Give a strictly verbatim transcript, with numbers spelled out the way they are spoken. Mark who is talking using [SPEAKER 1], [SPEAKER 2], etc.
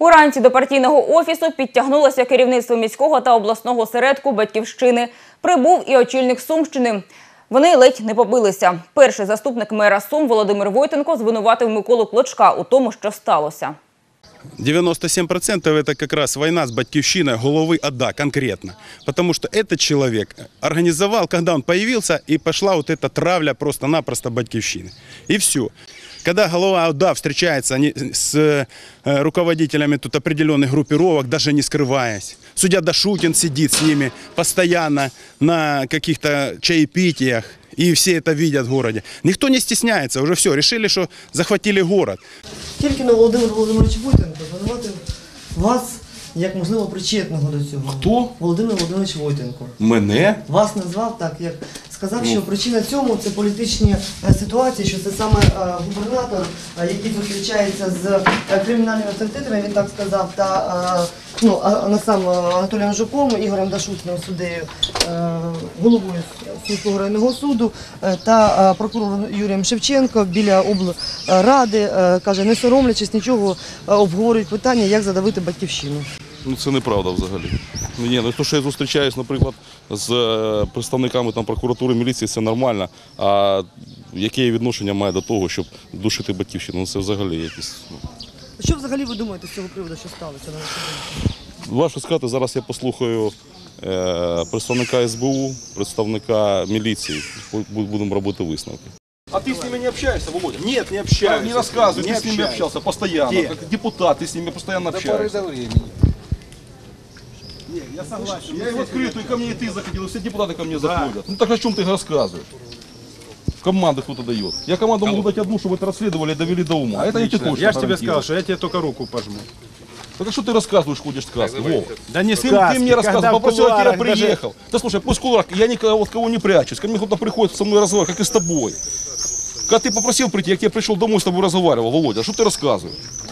[SPEAKER 1] Уранці до партійного офісу підтягнулося керівництво міського та обласного осередку «Батьківщини». Прибув і очільник Сумщини. Вони ледь не побилися. Перший заступник мера Сум Володимир Войтенко звинуватив Миколу Клочка у тому, що сталося.
[SPEAKER 2] девяносто семь процентов это как раз война с Батьківщиной головы ОДА конкретно. Потому что этот человек организовал, когда он появился, и пошла вот эта травля просто-напросто Батьківщины. И все. Когда голова ОДА встречается с руководителями тут определенных группировок, даже не скрываясь, судья Дашутин сидит с ними постоянно на каких-то чаепитиях, и все это видят в городе. Никто не стесняется, уже все, решили, что захватили город.
[SPEAKER 3] Тільки на Володимир Володимирович Войтенко звинуватив вас як, можливо, причетного до цього.
[SPEAKER 4] Хто?
[SPEAKER 3] Володимир Володимирович Войтенко.
[SPEAKER 4] Мене?
[SPEAKER 3] Вас назвав так, як сказав, що причина цьому – це політичні е, ситуації, що це саме е, губернатор, е, який зустрічається з е, кримінальними авторитетами, він так сказав, та е, ну, а, а сам Анатолієм Жуком, Ігорем Дашутним, суддею, е, головою Сумського районного суду е, та е, прокурором Юрієм Шевченко біля облради, е, каже, не соромлячись нічого, е, обговорюють питання, як задавити Батьківщину.
[SPEAKER 4] Ну це неправда взагалі. Ні, ну то, що я зустрічаюсь, наприклад, з представниками там прокуратури, міліції, це нормально. А яке відношення має до того, щоб душити Батьківщину? Ну це взагалі якісь.
[SPEAKER 3] Що взагалі ви думаєте з цього приводу, що сталося на вашу думку?
[SPEAKER 4] Важко сказати, зараз я послухаю е, представника ес бе у, представника міліції, будемо робити висновки. А ты с ними не общаешься, Володя?
[SPEAKER 2] Нет, не общаюсь.
[SPEAKER 4] Не рассказывай,
[SPEAKER 2] не
[SPEAKER 4] ты с ними общался постоянно,
[SPEAKER 2] Где?
[SPEAKER 4] как депутат, ты с ними постоянно общаешься.
[SPEAKER 2] До времени. Нет, я согласен.
[SPEAKER 4] Я и в открытую, и ко мне и ты заходил, и все депутаты ко мне заходят. Ну так о чем ты рассказываешь? Команды кто-то дает. Я команду могу дать одну, чтобы это расследовали и довели до ума. А это я тебе точно
[SPEAKER 5] Я же тебе
[SPEAKER 4] гарантирую.
[SPEAKER 5] сказал, что я тебе только руку пожму.
[SPEAKER 4] Так а что ты рассказываешь, ходишь сказки, Вов?
[SPEAKER 5] Да не
[SPEAKER 4] Ты,
[SPEAKER 5] сказки,
[SPEAKER 4] ты мне рассказывал,
[SPEAKER 5] когда в
[SPEAKER 4] попросил, я тебя
[SPEAKER 5] кулуарах даже-
[SPEAKER 4] приехал. Да слушай, пусть кулуар, я никого от кого не прячусь. Ко мне кто-то приходит со мной разговаривать, как и с тобой. Когда ты попросил прийти, я к тебе пришел домой, с тобой разговаривал, Володя, а что ты рассказываешь?